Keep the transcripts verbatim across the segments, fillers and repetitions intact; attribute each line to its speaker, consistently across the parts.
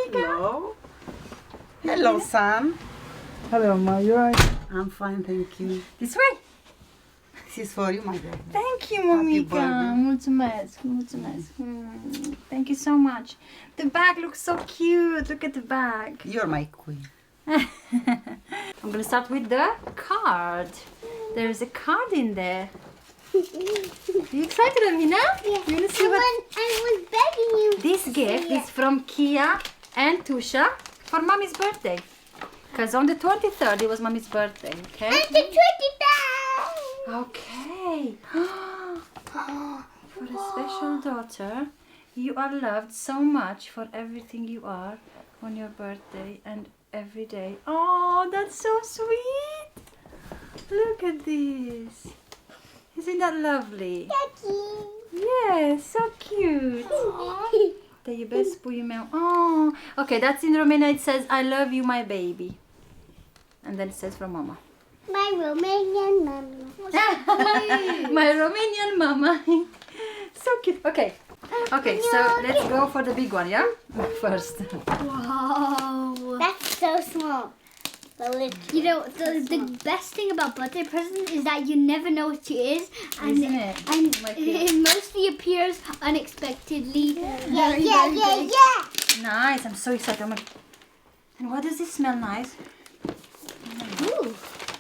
Speaker 1: Hello. Hello, Sam.
Speaker 2: Hello, Ma. You alright?
Speaker 1: I'm fine, thank you.
Speaker 3: This way.
Speaker 1: This is for you, my baby.
Speaker 3: Thank you,
Speaker 1: Happy
Speaker 3: Monica.
Speaker 1: birthday.
Speaker 3: Mulțumesc, mulțumesc. Mm, Thank you so much. The bag looks so cute. Look at the bag.
Speaker 1: You're my queen.
Speaker 3: I'm gonna start with the card. There's a card in there. Are you excited, Amina?
Speaker 4: Yeah.
Speaker 3: You wanna see
Speaker 4: I,
Speaker 3: what
Speaker 4: was, I was begging you.
Speaker 3: this gift
Speaker 4: Yeah.
Speaker 3: is from Kia and Tusha for Mommy's birthday. Because on the twenty-third it was Mommy's birthday, okay?
Speaker 4: And the twenty down.
Speaker 3: Okay. For a special daughter, you are loved so much for everything you are on your birthday and every day. Oh, that's so sweet. Look at this. Isn't that lovely? Yes, so cute. Te iubesc, puiul meu. Oh, okay, that's in Romania. It says, I love you, my baby. And then it says from Mama.
Speaker 4: My Romanian mama.
Speaker 3: My Romanian mama. So cute. Okay. Okay, so let's go for the big one, yeah? First.
Speaker 4: Wow. That's so small. You know, the, the best thing about birthday presents is that you never know what it is. And,
Speaker 3: Isn't it?
Speaker 4: and
Speaker 3: Like
Speaker 4: it mostly appears unexpectedly.
Speaker 3: Yeah.
Speaker 4: Yeah,
Speaker 3: Very,
Speaker 4: yeah,
Speaker 3: very
Speaker 4: yeah,
Speaker 3: big.
Speaker 4: yeah.
Speaker 3: Nice. I'm so excited. I'm like, and what does this smell nice?
Speaker 4: Ooh.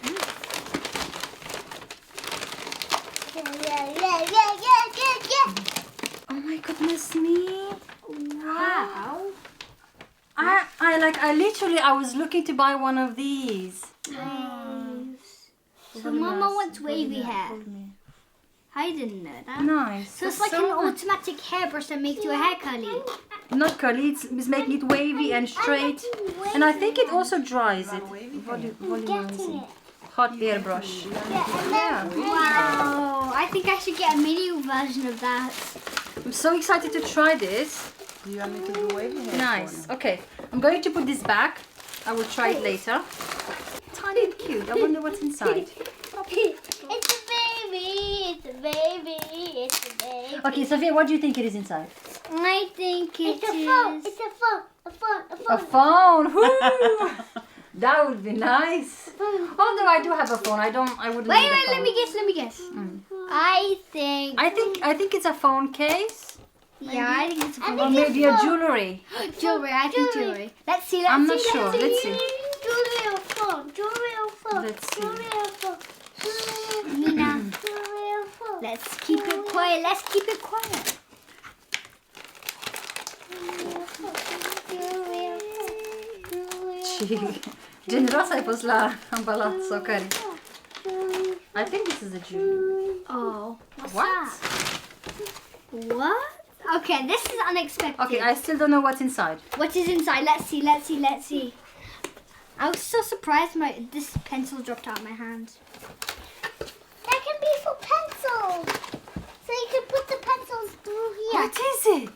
Speaker 4: Yeah, yeah, yeah, yeah, yeah, yeah, yeah.
Speaker 3: Oh my goodness me.
Speaker 4: Wow.
Speaker 3: I, I like, I literally, I was looking to buy one of these.
Speaker 4: Nice. So
Speaker 3: Really
Speaker 4: Mama
Speaker 3: nice.
Speaker 4: wants wavy
Speaker 3: Really
Speaker 4: hair.
Speaker 3: hold me.
Speaker 4: I didn't know that.
Speaker 3: Nice.
Speaker 4: So it's
Speaker 3: That's
Speaker 4: like an
Speaker 3: nice.
Speaker 4: automatic hairbrush that makes your hair curly.
Speaker 3: Not curly, it's, it's making it wavy and straight. And I think it also dries it. Volu- volumizing. Hot airbrush. Yeah.
Speaker 4: Wow. I think I should get a mini version of that.
Speaker 3: I'm so excited to try this.
Speaker 1: Do you want me to do wavy hair?
Speaker 3: Nice. Okay. I'm going to put this back. I will try it later. Tiny and cute. I wonder what's inside.
Speaker 4: It's a baby. It's a baby. It's a baby.
Speaker 3: Okay, Sophia, what do you think it is inside?
Speaker 4: I think it it's a phone.
Speaker 3: is-
Speaker 4: It's a phone. A phone. A
Speaker 3: A
Speaker 4: phone.
Speaker 3: phone. Woo! That would be nice. Although I do have a phone, I don't. I wouldn't.
Speaker 4: Wait,
Speaker 3: need a
Speaker 4: wait. Let
Speaker 3: phone.
Speaker 4: me guess. Let me guess.
Speaker 3: Mm.
Speaker 4: I think.
Speaker 3: I think. I think it's a phone case,
Speaker 4: Yeah, I think it's a phone.
Speaker 3: or maybe a jewelry.
Speaker 4: Jewelry. I think jewelry. Let's see. Let's
Speaker 3: I'm
Speaker 4: see.
Speaker 3: not sure. Let's see.
Speaker 4: Jewelry or phone. Jewelry or phone.
Speaker 3: Let's see.
Speaker 4: Jewelry or phone. Nina. Let's keep it quiet. Let's keep it quiet.
Speaker 3: Generoasă ai fost la ambalat socari. I think this is a jewelry.
Speaker 4: Oh, what's
Speaker 3: What?
Speaker 4: that? What? Okay, this is unexpected.
Speaker 3: Okay, I still don't know what's inside.
Speaker 4: What is inside? Let's see, let's see, let's see. I was so surprised my this pencil dropped out of my hand. That can be for pencils. So you can put the pencils through here.
Speaker 3: What is it?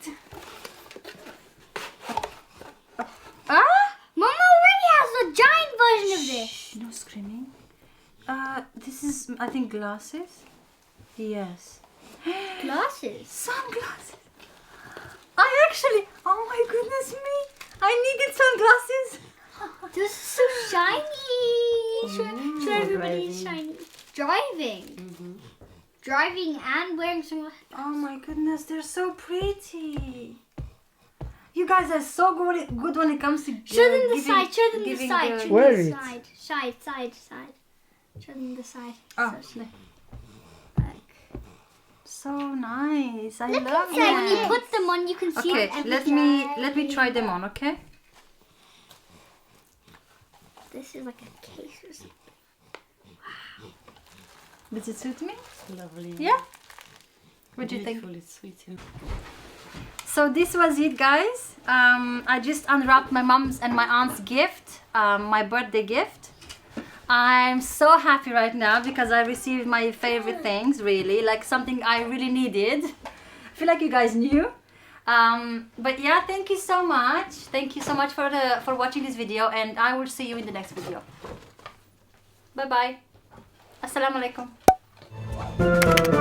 Speaker 3: Ah?
Speaker 4: Mama already has a giant version of this.
Speaker 3: Shh, no screaming. Uh, this is, I think, glasses. Yes.
Speaker 4: Glasses.
Speaker 3: Sunglasses. I actually, oh my goodness me, I needed sunglasses.
Speaker 4: This is so shiny. Show, show
Speaker 3: Ooh,
Speaker 4: everybody
Speaker 3: driving.
Speaker 4: shiny. Driving. Driving and wearing sunglasses.
Speaker 3: Oh my goodness, they're so pretty. You guys are so good, good when it comes to
Speaker 4: Show
Speaker 3: uh,
Speaker 4: them the
Speaker 3: giving-
Speaker 4: side. Show them the
Speaker 3: giving
Speaker 4: side.
Speaker 3: the-
Speaker 4: Show
Speaker 2: Where
Speaker 4: them the
Speaker 2: is it?
Speaker 4: side. Side, side, side. Show them the side.
Speaker 3: Oh,
Speaker 4: So,
Speaker 3: look.
Speaker 4: like,
Speaker 3: So nice. I
Speaker 4: Look
Speaker 3: love
Speaker 4: inside. When you
Speaker 3: it.
Speaker 4: put them on, you can see
Speaker 3: Okay,
Speaker 4: everything.
Speaker 3: let me let me try them on, okay?
Speaker 4: This is like a case or something.
Speaker 3: Does it suit me?
Speaker 1: Lovely.
Speaker 3: Yeah. What do you think?
Speaker 1: Beautiful, it's sweet. yeah.
Speaker 3: So this was it, guys. Um, I just unwrapped my mom's and my aunt's gift, um, my birthday gift. I'm so happy right now because I received my favorite things, really, like something I really needed. I feel like you guys knew. Um, but yeah, thank you so much. Thank you so much for the for watching this video, and I will see you in the next video. Bye bye. Assalamu alaikum.